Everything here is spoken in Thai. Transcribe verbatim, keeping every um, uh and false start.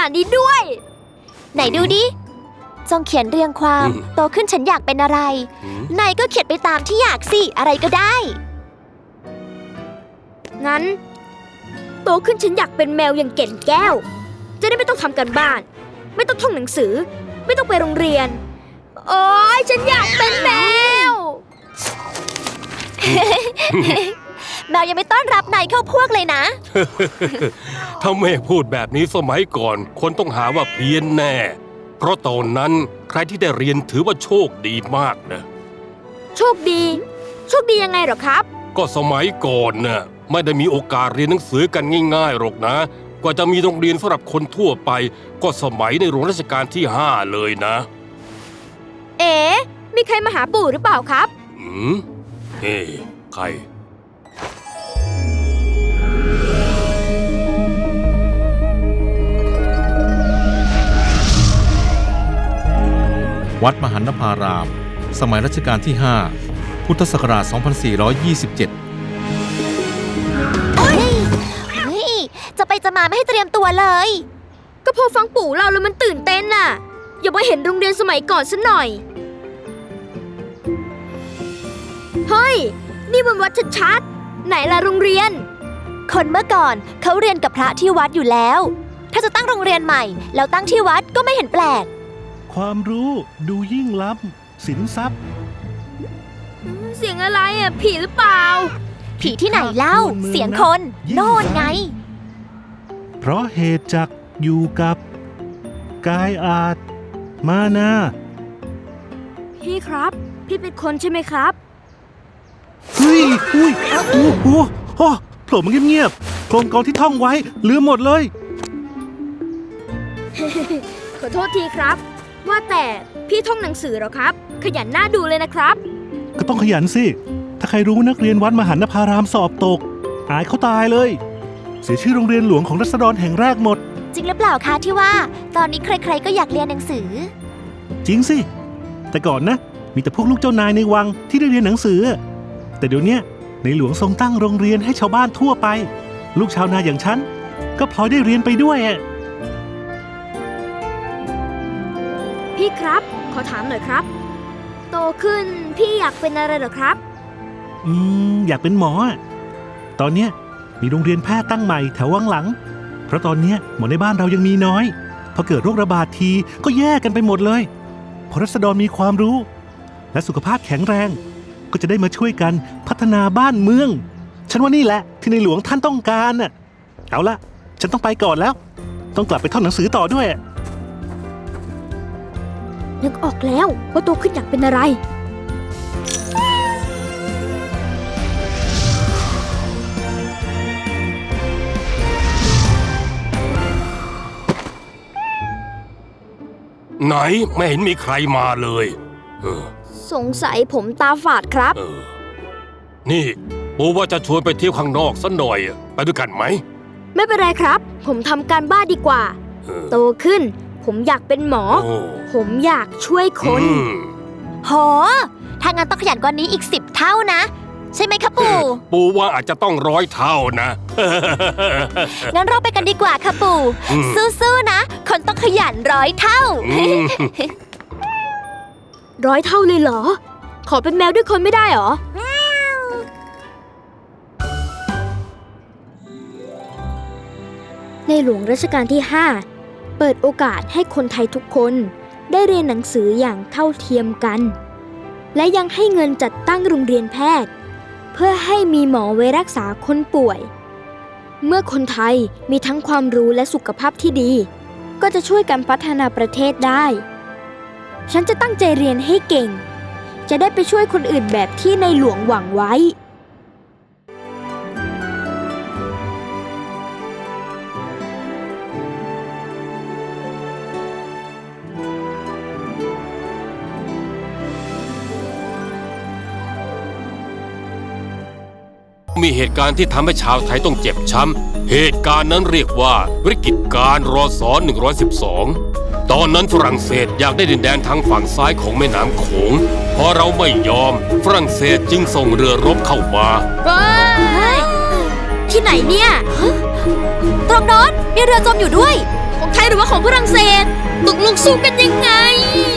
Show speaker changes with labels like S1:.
S1: นาดนี้ด้วย
S2: ไหนดูดิจงเขียนเรียงความโตขึ้นฉันอยากเป็นอะไรนายก็เขียนไปตามที่อยากสิอะไรก็ได้
S1: งั้นโตขึ้นฉันอยากเป็นแมวอย่างเก่นแก้วจะได้ไม่ต้องทำการบ้านไม่ต้องท่องหนังสือไม่ต้องไปโรงเรียนโอ๊ยฉันอยากเป็นแมว
S2: แมวยังไม่ต้อนรับนายเข้าพวกเลยนะ
S3: ถ้าแม่พูดแบบนี้สมัยก่อนคนต้องหาว่าเพี้ยนแน่เพราะตอนนั้นใครที่ได้เรียนถือว่าโชคดีมากนะ
S1: โชคดีโชคดียังไงหรอครับ
S3: ก็สมัยก่อนน่ะไม่ได้มีโอกาสเรียนหนังสือกันง่ายๆหรอกนะกว่าจะมีโรงเรียนสำหรับคนทั่วไปก็สมัยในหลวงรัชกาลที่ห้าเลยนะ
S1: เอ๋มีใครมาหาปู่หรือเปล่าครับ
S3: อืมเฮ้ใคร
S4: วัดมหันนภารามสมัยรัชกาลที่ห้าพุทธศักราช สองพันสี่ร้อยยี่สิบเจ็ด
S2: เฮ้ยเฮ้ยจะไปจะมาไม่ให้เตรียมตัวเลย
S1: ก็พอฟังปู่เล่าแล้วมันตื่นเต้นน่ะอย่ามาเห็นโรงเรียนสมัยก่อนซะหน่อยเฮ้ยนี่มันวัดชัดๆไหนล่ะโรงเรียน
S2: คนเมื่อก่อนเขาเรียนกับพระที่วัดอยู่แล้วถ้าจะตั้งโรงเรียนใหม่แล้วตั้งที่วัดก็ไม่เห็นแปลก
S5: ความรู้ดูยิ่งล้ำสินทรัพย์
S1: เสียงอะไรอ่ะผีหรือเปล่า
S2: ผีที่ไหนเล่าเสียงคนโน่นไง
S5: เพราะเหตุจักอยู่กับกายอาจมานา
S1: พี่ครับพี่เป็นคนใช่ไหมครับ
S5: เฮ้ยอุ้ยโอ้โหโอ้โผล่มาเงียบๆโครงกรที่ท่องไว้ลืมหมดเลย
S1: ขอโทษทีครับว่าแต่พี่ท่องหนังสือเหรอครับขยันหน้าดูเลยนะครับ
S5: ก็ต้องขยันสิถ้าใครรู้นักเรียนวัดมหันนภารามสอบตกอายเขาตายเลยเสียชื่อโรงเรียนหลวงของรัษฎรแห่งแรกหมด
S2: จริงหรือเปล่าคะที่ว่าตอนนี้ใครๆก็อยากเรียนหนังสือ
S5: จริงสิแต่ก่อนนะมีแต่พวกลูกเจ้านายในวังที่ได้เรียนหนังสือแต่เดี๋ยวนี้ในหลวงทรงตั้งโรงเรียนให้ชาวบ้านทั่วไปลูกชาวนาอย่างฉันก็พลอยได้เรียนไปด้วย
S1: พี่ครับขอถามหน่อยครับโตขึ้นพี่อยากเป็นอะไรเหรอครับ
S5: อืมอยากเป็นหมอตอนเนี้ยมีโรงเรียนแพทย์ตั้งใหม่แถววังหลังเพราะตอนเนี้ยหมอในบ้านเรายังมีน้อยพอเกิดโรคระบาดทีก็แย่กันไปหมดเลยพอรัษฎรมีความรู้และสุขภาพแข็งแรงก็จะได้มาช่วยกันพัฒนาบ้านเมืองฉันว่านี่แหละที่ในหลวงท่านต้องการน่ะเอาละฉันต้องไปก่อนแล้วต้องกลับไปท่องหนังสือต่อด้วย
S1: นึกออกแล้วว่าโตขึ้นอยากเป็นอะไร
S3: ไหนไม่เห็นมีใครมาเลยเออ
S1: สงสัยผมตาฝาดครับ
S3: เออนี่ปู่ว่าจะชวนไปเที่ยวข้างนอกสักหน่อยไปด้วยกันไหม
S1: ไม่เป็นไรครับผมทำการบ้านดีกว่าโตขึ้นผมอยากเป็นหมอผมอยากช่วยคน
S2: โหถ้างั้นต้องขยันกว่านี้อีกสิบเท่านะใช่ไหมคะปู่
S3: ปู่ว่าอาจจะต้องร้อยเท่านะ
S2: งั้นเราไปกันดีกว่าค่ะปู่สู้ๆนะคนต้องขยันร้อยเท่า
S1: ร้อยเท่าเลยเหรอขอเป็นแมวด้วยคนไม่ได้เหรอในหลวงรัชกาลที่ห้าเปิดโอกาสให้คนไทยทุกคนได้เรียนหนังสืออย่างเท่าเทียมกันและยังให้เงินจัดตั้งโรงเรียนแพทย์เพื่อให้มีหมอไว้รักษาคนป่วยเมื่อคนไทยมีทั้งความรู้และสุขภาพที่ดีก็จะช่วยกันพัฒนาประเทศได้ฉันจะตั้งใจเรียนให้เก่งจะได้ไปช่วยคนอื่นแบบที่ในหลวงหวังไว้
S3: มีเหตุการณ์ที่ทำให้ชาวไทยต้องเจ็บช้ำเหตุการณ์นั้นเรียกว่าวิกฤตการณ์รศหนึ่งร้อยสิบสองตอนนั้นฝรั่งเศสอยากได้ดินแดนทางฝั่งซ้ายของแม่น้ำโขงพอเราไม่ยอมฝรั่งเศสจึงส่งเรือรบเข้ามา
S1: ที่ไหนเนี่ย
S2: ตรงโน้นมีเรือจมอยู่ด้วย
S1: คงไทยหรือว่าของฝรั่งเศสตกลงสู้กันยังไง